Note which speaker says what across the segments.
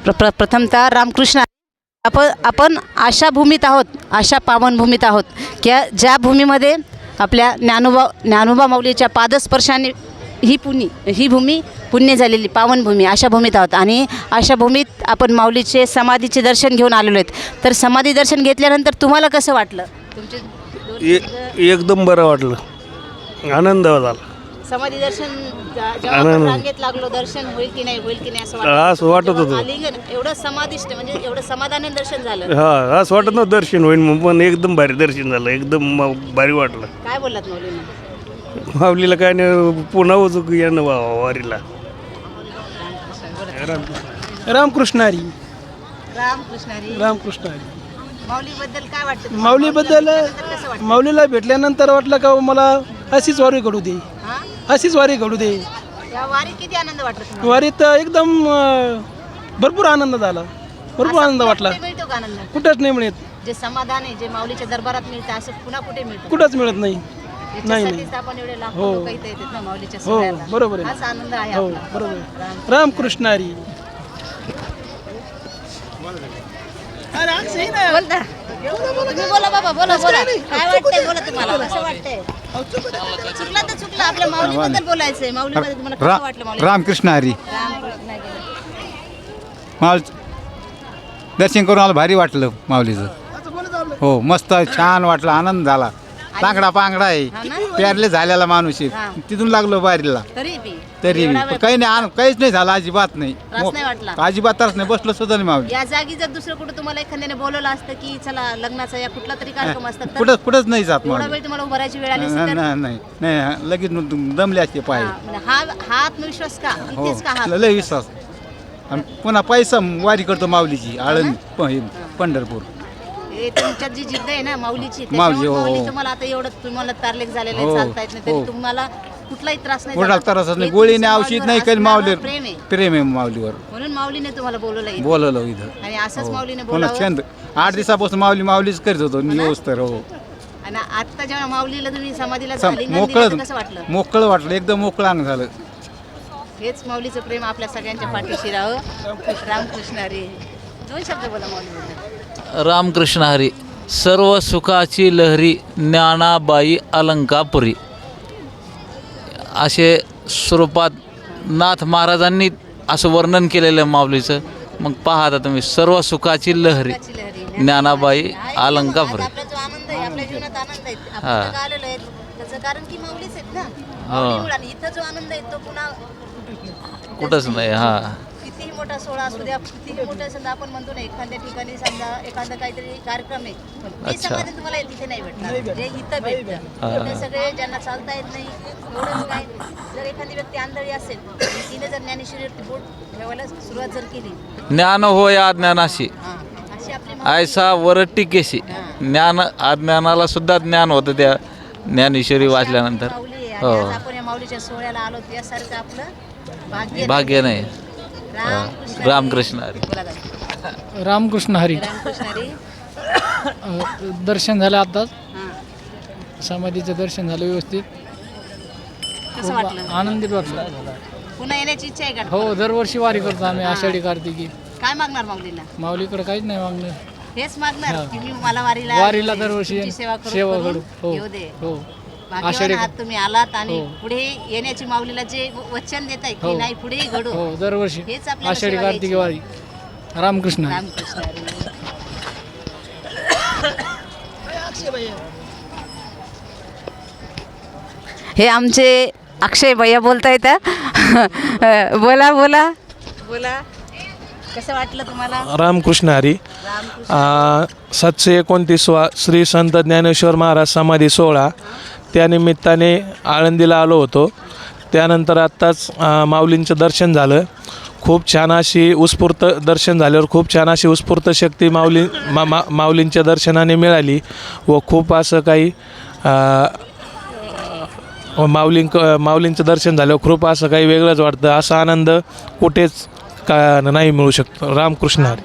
Speaker 1: प्रथमतः रामकृष्ण आपण अशा भूमीत आहोत, अशा पावनभूमीत आहोत की ज्या भूमीमध्ये आपल्या ज्ञानोबा माऊलीच्या पादस्पर्शाने ही भूमी पुण्य झालेली पावनभूमी, अशा भूमीत आहोत. आणि अशा भूमीत आपण माऊलीचे समाधीचे दर्शन घेऊन आलेलो आहेत. तर समाधी दर्शन घेतल्यानंतर तुम्हाला कसं वाटलं?
Speaker 2: एकदम बरं वाटलं, आनंद झाला.
Speaker 1: समाधी दर्शन जेव्हा आपण रांगेत लागलो, दर्शन होईल की नाही असं
Speaker 2: वाटत होतं.
Speaker 1: आलिंगन एवढं समाधिष्ट, म्हणजे एवढं समाधानी दर्शन झालं.
Speaker 2: हा, असं वाटत नव्हतं दर्शन होईल म्हणून, पण एकदम भारी दर्शन झालं, एकदम भारी वाटलं.
Speaker 1: काय बोललात माऊलींना?
Speaker 2: माऊलीला काय नाही, पुन्हा उचूक येणं वारीला.
Speaker 3: रामकृष्ण हरी.
Speaker 1: माऊलीबद्दल काय वाटतं?
Speaker 3: माऊलीबद्दल माऊलीला भेटल्यानंतर वाटलं का मला अशीच वारी घडू दे, अशीच वारी घडू दे.
Speaker 1: या वारीत किती आनंद वाटला?
Speaker 3: वारीत एकदम भरपूर आनंद झाला, भरपूर आनंद वाटला.
Speaker 1: मिळतो का आनंद?
Speaker 3: कुठंच नाही मिळत,
Speaker 1: जे समाधान आहे, जे माऊलीच्या दरबारात मिळतं, असं पुन्हा कुठे मिळतं?
Speaker 3: कुठंच मिळत नाही. नाही.
Speaker 1: आपण एवढे लाखो
Speaker 3: हो.
Speaker 1: लोक इथे येतात ना माऊलीच्या
Speaker 3: हो,
Speaker 1: सोहळ्याला.
Speaker 3: बरोबर आहे.
Speaker 1: हाच आनंद आहे
Speaker 3: हो,
Speaker 1: आपला.
Speaker 3: बरोबर. रामकृष्ण हरी.
Speaker 1: बोलता तुम्ही, बोला बाबा, बोला. काय वाटतंय? बोला, तुम्हाला कसं वाटतंय? चुकला तर चुकला, आपल्या माऊलीबद्दल बोलायचंय. माऊलीबद्दल तुम्हाला कसं वाटलं? माऊली
Speaker 4: रामकृष्ण हरी.
Speaker 1: रामकृष्ण हरी.
Speaker 4: माऊली दर्शन करून मला भारी वाटलं माऊलीचं. हो, मस्त छान वाटलं, आनंद झाला. तांगडा पांगडा आहे, प्यारले झालेला माणूस आहे. तिथून लागलो बारीला, तरी काही नाही, काहीच नाही झालं, अजिबात नाही. अजिबात त्रास नाही, बसलो सुद्धा नाही माऊली.
Speaker 1: या जागी जर दुसरं कुठं तुम्हाला एखाद्याने बोलवलं असतं की चला लग्नाचा या कुठला तरी कार्यक्रम असतात,
Speaker 4: कुठंच नाही जात
Speaker 1: एवढा
Speaker 4: माऊली.
Speaker 1: वेळ तुम्हाला उभं राहायची वेळ आली असती तर?
Speaker 4: नाही, लगेच दमले असते पाय.
Speaker 1: म्हणजे हा आत्मविश्वास का?
Speaker 4: हो,
Speaker 1: इथेच का हा?
Speaker 4: लय विश्वास. आणि पुन्हा पैसा वारी करतो माऊलीची, आळंद पंढरपूर.
Speaker 1: हे तुमच्यात जी जिद्द आहे ना माऊलीची,
Speaker 4: माऊली,
Speaker 1: त्याच्यामुळे
Speaker 4: हो.
Speaker 1: माऊली तुम्हाला आता एवढं तुम्हाला तारलेख झालेलं आहे,
Speaker 4: हो,
Speaker 1: चालता येत नाही, तरी
Speaker 4: हो.
Speaker 1: तुम्हाला कुठलाही त्रास नाही
Speaker 4: कुणाला
Speaker 1: झाला.
Speaker 4: त्रास नाही,
Speaker 1: हे
Speaker 4: गोळीने
Speaker 1: तुमचं
Speaker 4: औषध नाही
Speaker 1: माऊलीवर
Speaker 4: काही, माऊली
Speaker 1: असणारं प्रेम आहे.
Speaker 4: प्रेम आहे माऊलीवर.
Speaker 1: म्हणून माऊलीने तुम्हाला बोलवलं
Speaker 4: बोलवलं इथं.
Speaker 1: आणि असंच माऊलीने
Speaker 4: पुन्हा
Speaker 1: बोलावं.
Speaker 4: छंद 8 दिवसापासून माऊलीच करत होतो न्यूज तर. हो,
Speaker 1: आणि आता जेव्हा माऊलीला तुम्ही समाधीला आलिंगन दिलं, तर कसं वाटलं?
Speaker 4: मोकळं वाटलं, एकदम मोकळं अंग झालं.
Speaker 1: हेच माऊलीचं प्रेम आपल्या सगळ्यांच्या पाठीशी राहावं. रामकृष्ण हरी. 2 शब्द बोला माऊलीबद्दल.
Speaker 5: रामकृष्ण हरी. सर्व सुखाची लहरी ज्ञानाबाई अलंकापुरी, असे स्वरूपात नाथ महाराजांनी असं वर्णन केलेलं आहे माऊलीचं. मग पहा आता तुम्ही, सर्व सुखाची लहरी ज्ञानाबाई अलंकापुरी.
Speaker 1: आपला जो आनंद आहे, आपल्या जीवनात आनंद आहे, आपण का आलेलो आहे त्याचं कारण की माऊलीच आहेत ना. माऊलीमुळे. आणि इथं जो आनंद आहे तो पुन्हा
Speaker 5: कुठंच नाही. हा,
Speaker 1: कितीही मोठा सोहळा असू द्या, कितीही मोठा, समजा आपण म्हणतो ना एखाद्या ठिकाणी समजा एखादा काहीतरी कार्यक्रम आहे, ते समाधान तुम्हाला तिथे नाही भेटणार, जे इथं भेटतं. ते सगळे ज्यांना चालता येत नाही, एवढंच काय, जर एखादी व्यक्ती आंधळी असेल, तिने जर ज्ञानेश्वरीवरती बोट ठेवायला सुरुवात जर केली,
Speaker 5: ज्ञान हो या ज्ञानाशी
Speaker 1: अशी आपली
Speaker 5: ऐसा वरट्टी केशी. ज्ञान अज्ञानाला सुद्धा ज्ञान होतं त्या ज्ञानेश्वरी वाचल्यानंतर.
Speaker 1: माऊली आहे.
Speaker 5: हो,
Speaker 1: आणि आज आपण या माऊलीच्या सोहळ्याला आलो, यासारखं आपलं
Speaker 5: भाग्य नाही. रामकृष्ण हरी.
Speaker 1: बोला दादा.
Speaker 3: रामकृष्ण हरी.
Speaker 1: रामकृष्ण हरी.
Speaker 3: दर्शन झालं आताच,
Speaker 1: हां.
Speaker 3: समाधीचं दर्शन झालं व्यवस्थित,
Speaker 1: कसं वाटलं?
Speaker 3: आनंदित वाटलं.
Speaker 1: पुन्हा येण्याची इच्छा आहे का?
Speaker 3: हो, दरवर्षी वारी करतो आम्ही, आषाढी कार्तिकी.
Speaker 1: काय मागणार माऊलीला?
Speaker 3: माऊलीकडे काहीच नाही मागणं.
Speaker 1: हेच मागणार की मी मला वारीला
Speaker 3: दरवर्षी
Speaker 1: तुमची सेवा
Speaker 3: सेवा
Speaker 1: करून
Speaker 3: करू. हो,
Speaker 1: येऊ दे.
Speaker 3: हो.
Speaker 1: भाग्यवान
Speaker 3: आषाढी-
Speaker 1: आहात तुम्ही, आलात आणि
Speaker 3: हो.
Speaker 1: पुढे येण्याची माऊलीला जे वचन देत आहे की
Speaker 3: हो.
Speaker 1: नाही पुढेही घडू.
Speaker 3: हो, दरवर्षी
Speaker 1: हेच आपल्याला
Speaker 3: आषाढी
Speaker 1: सेवा
Speaker 3: कार्तिकी
Speaker 1: द्यायची.
Speaker 3: वारी. रामकृष्ण हरी.
Speaker 1: रामकृष्ण हरी. हे आमचे अक्षय भैया बोलता येतं. बोला बोला बोला. कसं वाटलं तुम्हाला?
Speaker 6: रामकृष्ण हरी. 729वा श्री संत ज्ञानेश्वर महाराज समाधी सोहळा, त्यानिमित्ताने आळंदीला आलो होतो. त्यानंतर आत्ताच माऊलींचं दर्शन झालं. खूप छान अशी उत्स्फूर्त दर्शन झाल्यावर खूप छान अशी उत्स्फूर्त शक्ती माऊलींच्या दर्शनाने मिळाली. व खूप असं काही माऊलींचं दर्शन झाल्यावर खूप असं काही वेगळंच वाटतं. असा आनंद कुठेच का नाही मिळू शकतो. रामकृष्ण हरी.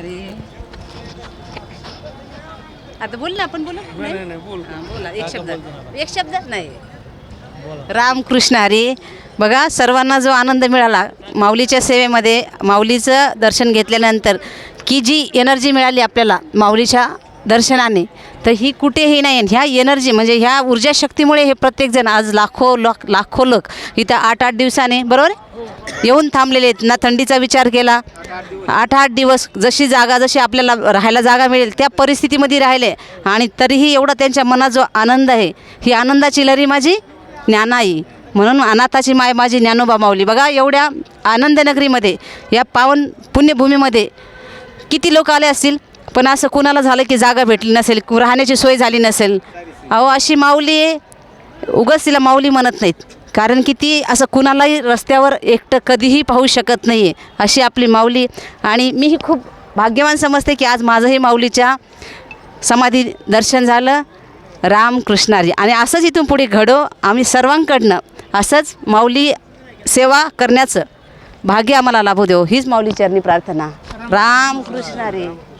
Speaker 1: आता बोल ना, आपण बोला. बोला एक शब्द नाही. रामकृष्ण हरी. बघा सर्वांना जो आनंद मिळाला माऊलीच्या सेवेमध्ये, माऊलीचं दर्शन घेतल्यानंतर की जी एनर्जी मिळाली आपल्याला माऊलीच्या दर्शनाने, तर ही कुठेही नाही. ह्या एनर्जी म्हणजे ह्या ऊर्जा शक्तीमुळे हे प्रत्येकजण आज लाखो लोक इथं 8-8 दिवसाने बरोबर येऊन थांबलेले आहेत. ना थंडीचा विचार केला, 8-8 दिवस जशी आपल्याला राहायला जागा मिळेल त्या परिस्थितीमध्ये राहिले आणि तरीही एवढा त्यांच्या मनात जो आनंद आहे, ही आनंदाची लहरी माझी ज्ञानाई, म्हणून अनाथाची माय माझी ज्ञानोबा माऊली. बघा एवढ्या आनंदनगरीमध्ये, या पावन पुण्यभूमीमध्ये किती लोक आले असतील, पण असं कुणाला झालं की जागा भेटली नसेल, राहण्याची सोय झाली नसेल. अहो अशी माऊली उगाच तिला माऊली म्हणत नाहीत, कारण की ती असं कुणालाही रस्त्यावर एकटं कधीही पाहू शकत नाही आहे अशी आपली माऊली. आणि मीही खूप भाग्यवान समजते की आज माझंही माऊलीच्या समाधी दर्शन झालं. रामकृष्णारी. आणि असंच इथून पुढे घडो आम्ही सर्वांकडनं, असंच माऊली सेवा करण्याचं भाग्य आम्हाला लाभू देऊ, हीच माऊली चरणी प्रार्थना. रामकृष्णारी.